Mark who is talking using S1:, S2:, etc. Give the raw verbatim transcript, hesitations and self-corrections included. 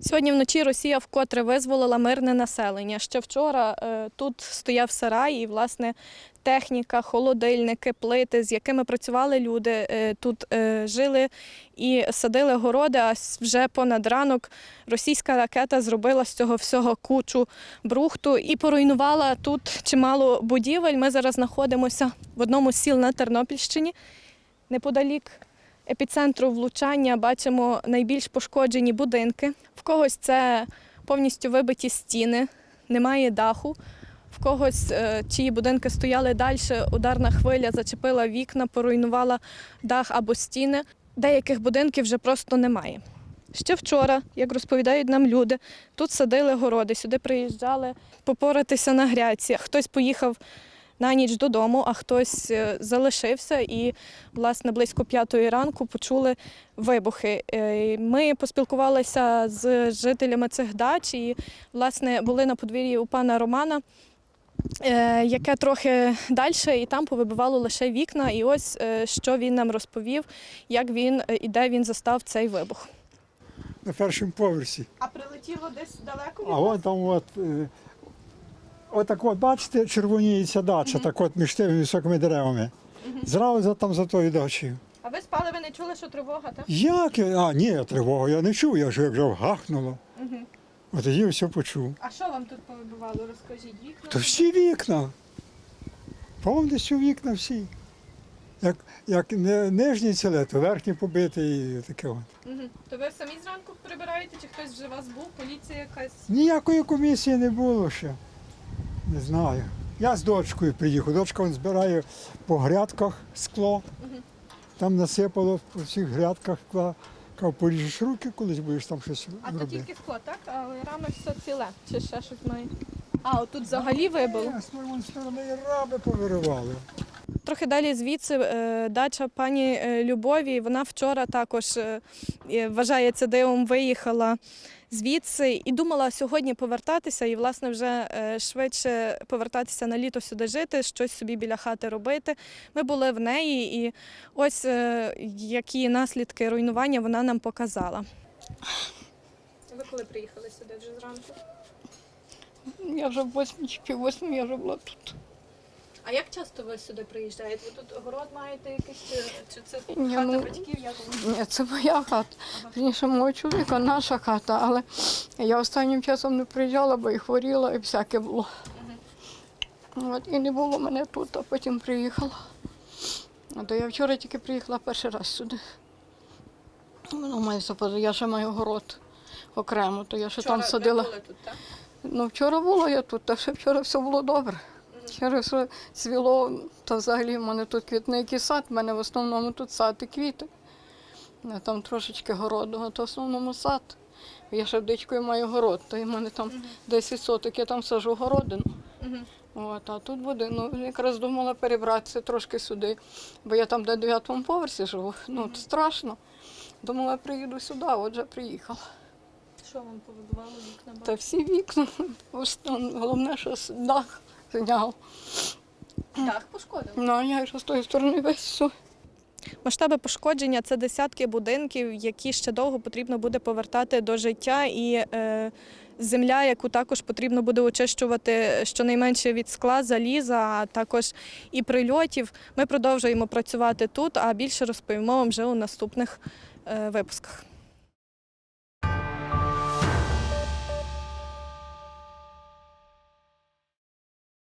S1: Сьогодні вночі Росія вкотре визволила мирне населення. Ще вчора е, тут стояв сарай і, власне, техніка, холодильники, плити, з якими працювали люди, е, тут е, жили і садили городи, а вже понад ранок російська ракета зробила з цього всього кучу брухту і поруйнувала тут чимало будівель. Ми зараз знаходимося в одному з сіл на Тернопільщині, неподалік епіцентру влучання бачимо найбільш пошкоджені будинки. В когось це повністю вибиті стіни, немає даху. В когось, чиї будинки стояли далі, ударна хвиля зачепила вікна, поруйнувала дах або стіни. Деяких будинків вже просто немає. Ще вчора, як розповідають нам люди, тут садили городи, сюди приїжджали попоратися на грядці. Хтось поїхав на ніч додому, а хтось залишився і, власне, близько п'ятої ранку почули вибухи. Ми поспілкувалися з жителями цих дач і, власне, були на подвір'ї у пана Романа, яке трохи далі, і там повибивало лише вікна. І ось, що він нам розповів, як він і де він застав цей вибух.
S2: На першому поверсі.
S1: А прилетіло десь далеко від
S2: А от там от, отак от, бачите, червоніється дача, так от між тими високими деревами. Зразу там за тою дачею.
S1: А ви спали, ви не чули, що тривога, так?
S2: Як? А, ні, тривогу я не чув, я ж як вже гахнуло.
S1: Угу.
S2: От тоді все почув.
S1: А що вам тут повибивало? Розкажіть, вікна?
S2: То всі вікна. Повністю вікна всі. Як, як не, нижні ціле, то верхні побиті і таке от.
S1: Угу. То ви самі зранку прибираєте, чи хтось вже у вас був, поліція якась?
S2: Ніякої комісії не було ще. Не знаю. Я з дочкою приїхав. Дочка вон збирає по грядках скло.
S1: Угу.
S2: Там насипало по всіх грядках скла. Кав, поріжеш руки, колись будеш там щось
S1: А то
S2: робити.
S1: тільки скло, так? А рано все ціле, чи ще щось має? А, отут взагалі вибило?
S2: З тої сторони раби повиривали.
S1: Трохи далі звідси е, дача пані е, Любові, вона вчора також, е, е, вважається дивом, виїхала звідси і думала сьогодні повертатися і, власне, вже е, швидше повертатися на літо сюди жити, щось собі біля хати робити. Ми були в неї і ось е, які наслідки руйнування вона нам показала. Ви коли приїхали сюди вже зранку?
S3: Я вже в восьмій чи пів восьмій я вже була тут.
S1: А як часто ви сюди приїжджаєте? Ви тут город маєте якийсь, чи, чи це
S3: Ні,
S1: хата
S3: ну,
S1: батьків? Як воно?
S3: Ні, це моя хата. Вірніше, мого чоловіка, наша хата, але я останнім часом не приїжджала, бо і хворіла, і всяке було. Угу. От, і не було мене тут, а потім приїхала. А то я вчора тільки приїхала перший раз сюди. Воно має западу. Я ще маю город окремо, то я ще
S1: Вчора
S3: там садила.
S1: ви були тут, так?
S3: Ну, вчора було я тут, та ще вчора все було добре. Вчора все цвіло, то взагалі в мене тут квітник і сад, в мене в основному тут сад і квіти. А там трошечки городу, а то в основному сад. Я ще вдичкою маю город, то в мене там десять соток, я там саджу городину. От, а тут буде, ну, якраз думала перебратися трошки сюди, бо я там на дев'ятому поверсі живу, ну, страшно. Думала, приїду сюди, отже приїхала.
S1: Що вам повибивало вікна?
S3: Та всі вікна, головне, що дах зняв.
S1: Дах пошкодив?
S3: Ну, а я ж з тої сторони весь все.
S1: Масштаби пошкодження – це десятки будинків, які ще довго потрібно буде повертати до життя. І е, земля, яку також потрібно буде очищувати щонайменше від скла, заліза, а також і прильотів. Ми продовжуємо працювати тут, а більше розповімо вам вже у наступних е, випусках.